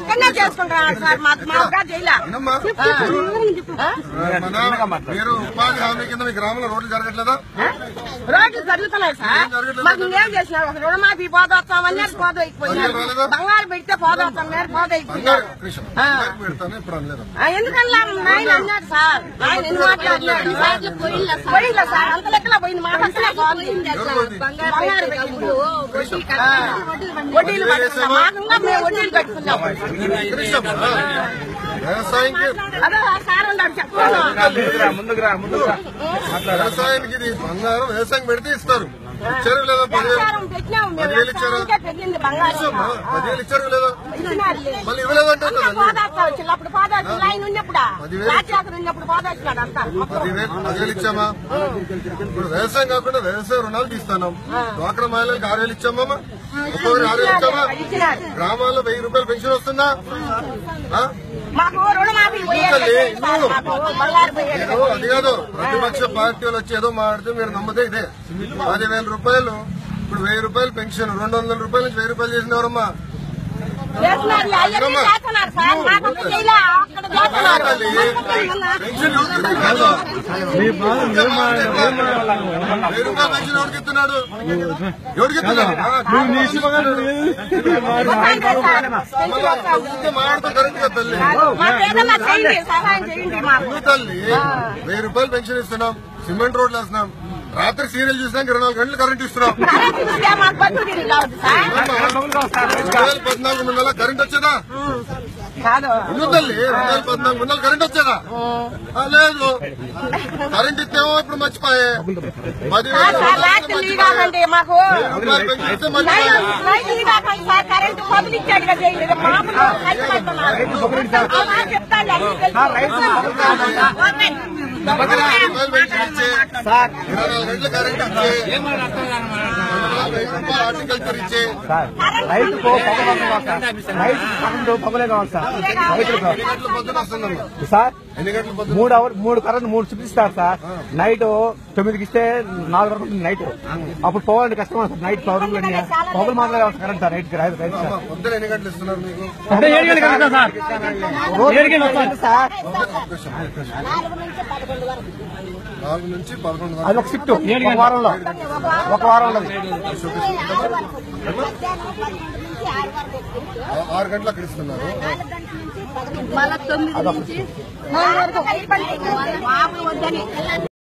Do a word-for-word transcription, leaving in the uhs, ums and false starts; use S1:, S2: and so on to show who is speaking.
S1: అక్కడనే చేసుకుంటున్నాడు సార్ మాకు మాగా జైలా
S2: మీరు ఉపాధి హామీ కింద మీ గ్రామంలో రోడ్లు జరగట్లేదా?
S1: రోడ్లు జరుగుతున్నాయి సార్. మాకు ఏం చేసినారు ఒక రుణమాఫీ పోదొస్తాం అన్నారు పోదైపోయినారు. బంగారు పెడితే పోదొస్తాం అన్నారు పోదైపోయినారు. ఎందుకన్నా ఆయన అన్నారు సార్ ఆయన ఎన్ని మాట్లాడినారు పోయిందా సార్ అంత లెక్కలో పోయింది మా పక్కనే బంగారు పెట్టింది వడ్డీలు కట్టుకున్నాం మాకంగా మేము వడ్డీలు కట్టుకున్నాం. అదే సార్ ఉన్నాడు చెప్తాను
S2: వ్యవసాయానికి ఇది బంగారం వ్యవసాయం పెడితే ఇస్తారు. ఇచ్చారు లేదా? పదివేలు ఇచ్చారు పదివేలు ఇచ్చారు లేదా? మళ్ళీ ఇవ్వలేదంటే
S1: అప్పుడు పాదాలు ఆయన ఉన్నప్పుడు రాజాకర్ ఉన్నప్పుడు పాదాడు అంతా
S2: పదివేలు పదివేలు ఇచ్చామా? ఇప్పుడు వ్యవసాయం కాకుండా వ్యవసాయ రుణాలు తీస్తున్నాం. డ్వాక్రా మహిళలకు ఆరు వేలు ఇచ్చామా? ఒక్కొక్కరు ఆరు వేలు ఇచ్చామా? గ్రామాల్లో వెయ్యి రూపాయలు పెన్షన్ వస్తుందా? అది కాదు ప్రతిపక్ష పార్టీలు వచ్చి ఏదో మాట్లాడితే మీరు నమ్మదే ఇదే. పదివేల రూపాయలు ఇప్పుడు వెయ్యి రూపాయలు పెన్షన్ రెండు వందల రూపాయల నుంచి వెయ్యి రూపాయలు చేసినవరమ్మా. వెయ్యి రూపాయలు పెన్షన్ ఎవరికి ఇస్తున్నాడు? ఎవరికి ఇస్తున్నాడు? మాట్లాడుతూ కరెక్ట్ గా తల్లి తల్లి వెయ్యి రూపాయలు పెన్షన్ ఇస్తున్నాం, సిమెంట్ రోడ్లు వేస్తున్నాం, రాత్రి సీరియల్ చూసినాక ఇరవై నాలుగు గంటలు కరెంట్ ఇస్తున్నాం. రెండు వేల పద్నాలుగు ముందల కరెంట్ వచ్చేదా? ఇల్లు తల్లి రెండు వేల పద్నాలుగు ముందల కరెంట్ వచ్చేదా? లేదు. కరెంట్ ఇస్తేమో ఇప్పుడు మర్చిపోయే పదివేలు పెన్షన్ ఇస్తే మర్చిపోయే ఇరవై నాలుగు గంటల కరెంట్ ఇచ్చే హార్టికల్చర్ ఇచ్చే
S3: రైతుకు పగలే కావాలి సార్. రైతులకు
S2: పొద్దున వస్తుందమ్మా
S3: సార్
S2: ఎన్ని గంటల పొద్దున?
S3: మూడు అవర్ మూడు కరెంట్ మూడు చూపిస్తారు సార్. నైట్ తొమ్మిదికి ఇస్తే నాలుగు వరకు ఉంటుంది నైట్. అప్పుడు పోవాలంటే కష్టం సార్. నైట్ పవర్ పగలు మాత్రమే కావాలి కరెంట్ సార్. రైతు రైతు రైతు సార్
S2: పొద్దున ఎన్ని గంటలు ఇస్తున్నారు మీకు?
S3: ఏడు గంటలు సార్. సార్
S2: నాలుగు నుంచి పదకొండు
S3: అది ఒక షిఫ్ట్ ఒక వారంలో ఒక వారంలో
S2: ఆరు గంటలు అక్కడ ఇస్తున్నారు.
S1: తొమ్మిది నుంచి